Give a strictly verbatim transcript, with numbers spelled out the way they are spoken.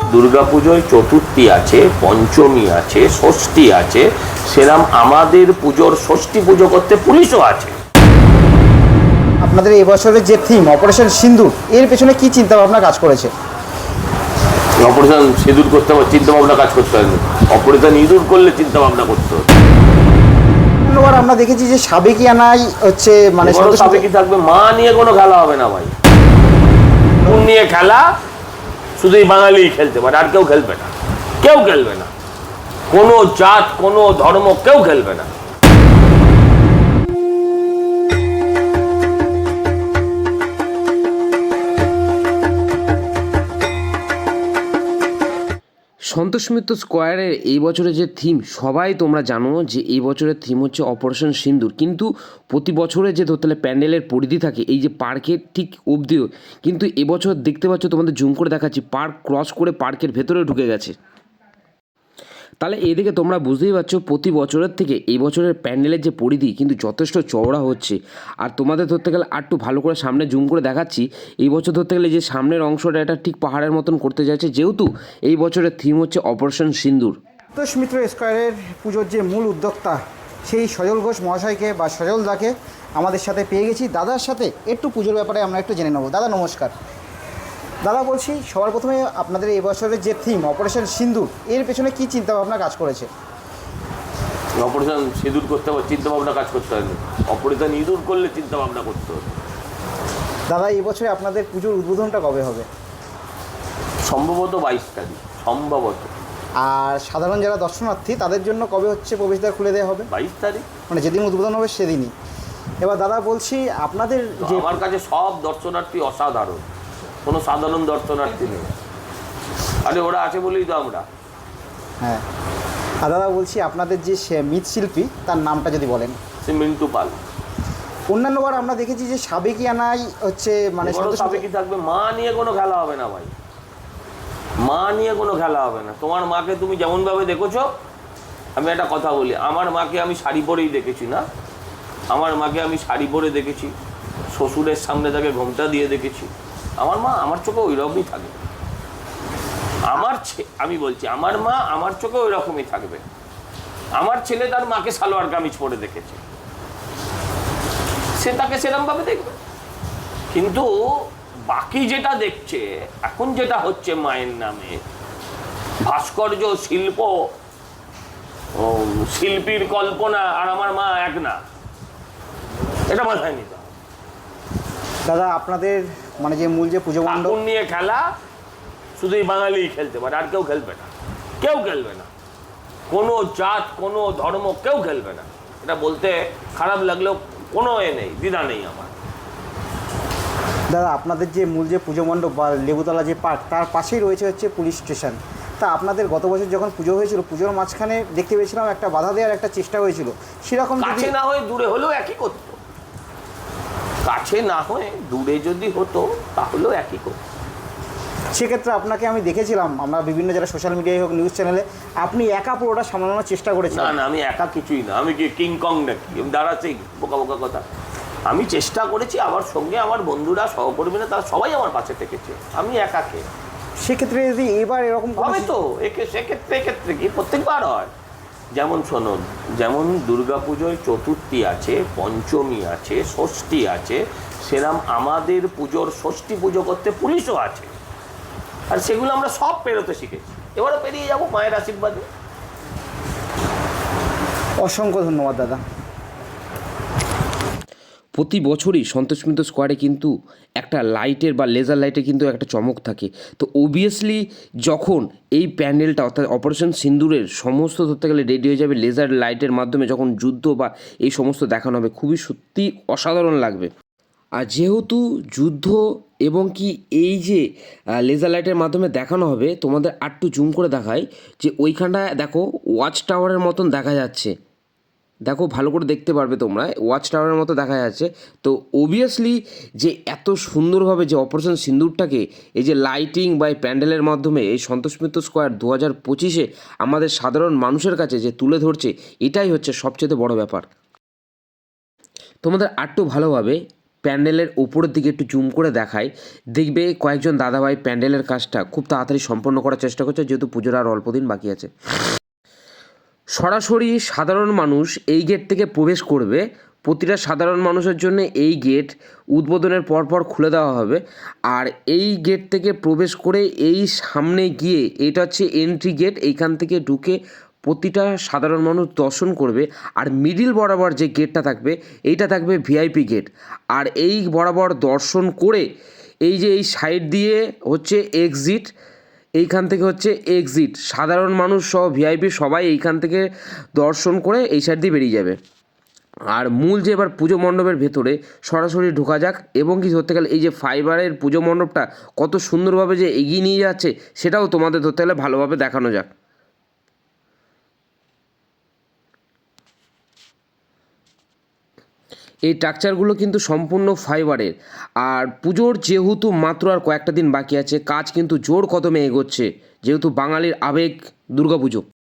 দুর্গাপুজোয় চতুর্থী আছে, পঞ্চমী আছে, ষষ্ঠী আছে, সেরাম আমাদের পুজোর ষষ্ঠী পুজো করতে পুলিশও আছে। আপনাদের এই বছরের যে থিম অপারেশন সিন্দুর, এর পেছনে কি চিন্তা ভাবনা কাজ করেছে? অপারেশন সিঁদুর করতে হবে, চিন্তা ভাবনা কাজ করতে হবে। অপারেশন ইঁদুর করলে চিন্তা ভাবনা করতে হবে। এবার আমরা দেখেছি যে সাবেকিয়ানাই হচ্ছে মানে সাবেকি থাকবে, মা নিয়ে কোনো খেলা হবে না ভাই। কোন নিয়ে খেলা? শুধু বাঙালি খেলতে পারে, আর কেউ খেলবে না, কেউ খেলবে না, কোনো জাত কোনো ধর্ম কেউ খেলবে না। সন্তোষ মিত্র স্কোয়ারের এই বছরের যে থিম, সবাই তোমরা জানো যে এই বছরের থিম হচ্ছে অপারেশন সিন্দুর। কিন্তু প্রতি বছরে যে ধরতে গেলে প্যান্ডেলের পরিধি থাকে এই যে পার্কের ঠিক অবধিও, কিন্তু এবছর দেখতে পাচ্ছ, তোমাদের জুম করে দেখাচ্ছি, পার্ক ক্রস করে পার্কের ভেতরে ঢুকে গেছে। তাহলে এদিকে তোমরা বুঝতেই পারছো প্রতি বছরের থেকে এই বছরের প্যান্ডেলের যে পরিধি কিন্তু যথেষ্ট চওড়া হচ্ছে। আর তোমাদের ধরতে গেলে আর একটু ভালো করে সামনে জুম করে দেখাচ্ছি, এই বছর ধরতে গেলে যে সামনের অংশটা এটা ঠিক পাহাড়ের মতন করতে যাচ্ছে, যেহেতু এই বছরের থিম হচ্ছে অপারেশন সিন্দুর। সন্তোষ মিত্র স্কোয়ারের পুজোর যে মূল উদ্যোক্তা সেই সজল ঘোষ মহাশয়কে বা সজল দাকে আমাদের সাথে পেয়ে গেছি। দাদার সাথে একটু পুজোর ব্যাপারে আমরা একটু জেনে নেব। দাদা নমস্কার। দাদা বলছি, সবার প্রথমে আপনাদের এই বছরের যে থিম অপারেশন সিন্দুর, এর পেছনে কি চিন্তা ভাবনা কাজ করেছে? অপারেশন সিঁদুর করতে হবে, চিন্তা ভাবনা কাজ করতে হবে। অপারেশন ইঁদুর করলে চিন্তা ভাবনা করতে হবে। দাদা এই বছরে আপনাদের পুজোর উদ্বোধনটা কবে হবে? সম্ভবত বাইশ তারিখ, সম্ভবত। আর সাধারণ যারা দর্শনার্থী তাদের জন্য কবে হচ্ছে প্রবেশদ্বার খুলে দেওয়া হবে? বাইশ তারিখ, মানে যেদিন উদ্বোধন হবে সেদিনই। এবার দাদা বলছি, আপনাদের যে আমার কাছে সব দর্শনার্থী অসাধারণ, কোনো সাধারণ দর্শনার্থী নেই। আরে ওরা আছে বলেই তো আমরা। হ্যাঁ, আর দাদা বলছি, আপনাদের যে মৃৎশিল্পী তার নামটা যদি বলেন। সে মিন্টু পাল। অন্যান্যবার আমরা দেখেছি যে সাবেকিয়ানাই হচ্ছে মানে সাবেকি থাকবে, মা নিয়ে কোনো খেলা হবে না ভাই। মা নিয়ে কোনো খেলা হবে না। তোমার মাকে তুমি যেমন ভাবে দেখেছো, আমি একটা কথা বলি, আমার মাকে আমি শাড়ি পরেই দেখেছি না, আমার মাকে আমি শাড়ি পরে দেখেছি, শ্বশুরের সামনে তাকে ঘোমটা দিয়ে দেখেছি। আমার মা আমার চোখে ওই রকমই থাকবে। আমার আমি বলছি, আমার মা আমার চোখে ওই রকমই থাকবে। আমার ছেলে তার মাকে সালোয়ার কামিজ পরে দেখেছে, সে তাকে সেরকম ভাবে দেখবে। কিন্তু বাকি যেটা দেখছে এখন, যেটা হচ্ছে মায়ের নামে ভাস্কর্য শিল্প, শিল্পীর কল্পনা আর আমার মা এক না, এটা মাথায় নিতে হবে। দাদা আপনাদের মানে যে মূল যে পুজো মণ্ডপ নিয়ে খেলা, শুধু বাঙালি খেলতে পারে, আর কেউ খেলবে না, কেউ খেলবে না, কোনো জাত কোনো ধর্ম কেউ খেলবে না। এটা বলতে খারাপ লাগলেও কোনো এ নেই, দ্বিধা নেই আমার। দাদা আপনাদের যে মূল যে পুজো মণ্ডপ বা লেবুতলা যে পার্ক, তার পাশেই রয়েছে হচ্ছে পুলিশ স্টেশন। তা আপনাদের গত বছর যখন পুজো হয়েছিল, পুজোর মাঝখানে দেখতে পেয়েছিলাম একটা বাধা দেওয়ার একটা চেষ্টা হয়েছিল, সেরকম কাছে না হয়ে দূরে হলেও একই করতো। কাছে না হয়ে দূরে যদি হতো তাহলেও একই করতো। সেক্ষেত্রে আপনাকে আমি দেখেছিলাম, আমরা বিভিন্ন যারা সোশ্যাল মিডিয়ায় হোক নিউজ চ্যানেলে, আপনি একা পুরোটা সামলানোর চেষ্টা করেছেন। না না, আমি একা কিছুই না। আমি কি কিং কং নাকি? আমি দাঁড়াচ্ছি বোকা বোকা কথা। আমি চেষ্টা করেছি, আমার সঙ্গে আমার বন্ধুরা সহকর্মীরা তারা সবাই আমার পাশে থেকেছে, আমি একাকে। সেক্ষেত্রে যদি এবার এরকম হবে তো, একে সেক্ষেত্রে এক্ষেত্রে কি প্রত্যেকবার হয়? যেমন শোনুন, যেমন দুর্গাপুজোয় চতুর্থী আছে, পঞ্চমী আছে, ষষ্ঠী আছে, সেরাম আমাদের পুজোর ষষ্ঠী পুজো করতে পুলিশও আছে। আর সেগুলো আমরা সব পেরোতে শিখেছি, এবারও পেরিয়ে যাবো মায়ের আশীর্বাদে। অসংখ্য ধন্যবাদ দাদা। প্রতি বছরই সন্তোষ মিত্র স্কোয়ারে কিন্তু একটা লাইটের বা লেজার লাইটের কিন্তু একটা চমক থাকে। তো অবভিয়াসলি যখন এই প্যান্ডেলটা অর্থাৎ অপারেশন সিন্দুরের সমস্ত ধরতে গেলে রেডি হয়ে যাবে লেজার লাইটের মাধ্যমে, যখন যুদ্ধ বা এই সমস্ত দেখানো হবে, খুবই সত্যি অসাধারণ লাগবে। আর যেহেতু যুদ্ধ এবং কি এই যে লেজার লাইটের মাধ্যমে দেখানো হবে, তোমাদের আরটু জুম করে দেখায় যে ওইখানটায় দেখো ওয়াচ টাওয়ারের মতন দেখা যাচ্ছে, দেখো ভালো করে দেখতে পারবে তোমরা, ওয়াচ টাওয়ারের মতো দেখা যাচ্ছে। তো অবভিয়াসলি যে এত সুন্দরভাবে যে অপারেশন সিন্দুরটাকে এই যে লাইটিং বা এই প্যান্ডেলের মাধ্যমে এই সন্তোষ মিত্র স্কোয়ার দু হাজার পঁচিশে আমাদের সাধারণ মানুষের কাছে যে তুলে ধরছে, এটাই হচ্ছে সবচেয়ে বড় ব্যাপার। তোমাদের আরটু ভালোভাবে প্যান্ডেলের ওপরের দিকে একটু জুম করে দেখায়, দেখবে কয়েকজন দাদাভাই প্যান্ডেলের কাজটা খুব তাড়াতাড়ি সম্পন্ন করার চেষ্টা করছে, যেহেতু পুজোর আর অল্প দিন বাকি আছে। সরাসরি সাধারণ মানুষ এই গেট থেকে প্রবেশ করবে। প্রতিটা সাধারণ মানুষের জন্য এই গেট উদ্বোধনের পরপর খুলে দেওয়া হবে। আর এই গেট থেকে প্রবেশ করে এই সামনে গিয়ে, এটা হচ্ছে এন্ট্রি গেট, এইখান থেকে ঢুকে প্রতিটা সাধারণ মানুষ দর্শন করবে। আর মিডিল বরাবর যে গেটটা থাকবে, এইটা থাকবে ভিআইপি গেট। আর এই বরাবর দর্শন করে এই যে এই সাইড দিয়ে হচ্ছে এক্সিট, এইখান থেকে হচ্ছে এক্সিট। সাধারণ মানুষ সহ ভিআইপি সবাই এইখান থেকে দর্শন করে এই সাইড দিয়ে বেরিয়ে যাবে। আর মূল যে এবার পুজো মণ্ডপের ভেতরে সরাসরি ঢোকা যাক, এবং কি ধরতে গেলে এই যে ফাইবারের পুজো মণ্ডপটা কত সুন্দরভাবে যে এগিয়ে নিয়ে যাচ্ছে, সেটাও তোমাদের ধরতে গেলে ভালোভাবে দেখানো যাক। এই স্ট্রাকচারগুলো কিন্তু সম্পূর্ণ ফাইবারের। আর পুজোর যেহেতু মাত্র আর কয়েকটা দিন বাকি আছে, কাজ কিন্তু জোর কদমে এগোচ্ছে, যেহেতু বাঙালির আবেগ দুর্গাপুজো।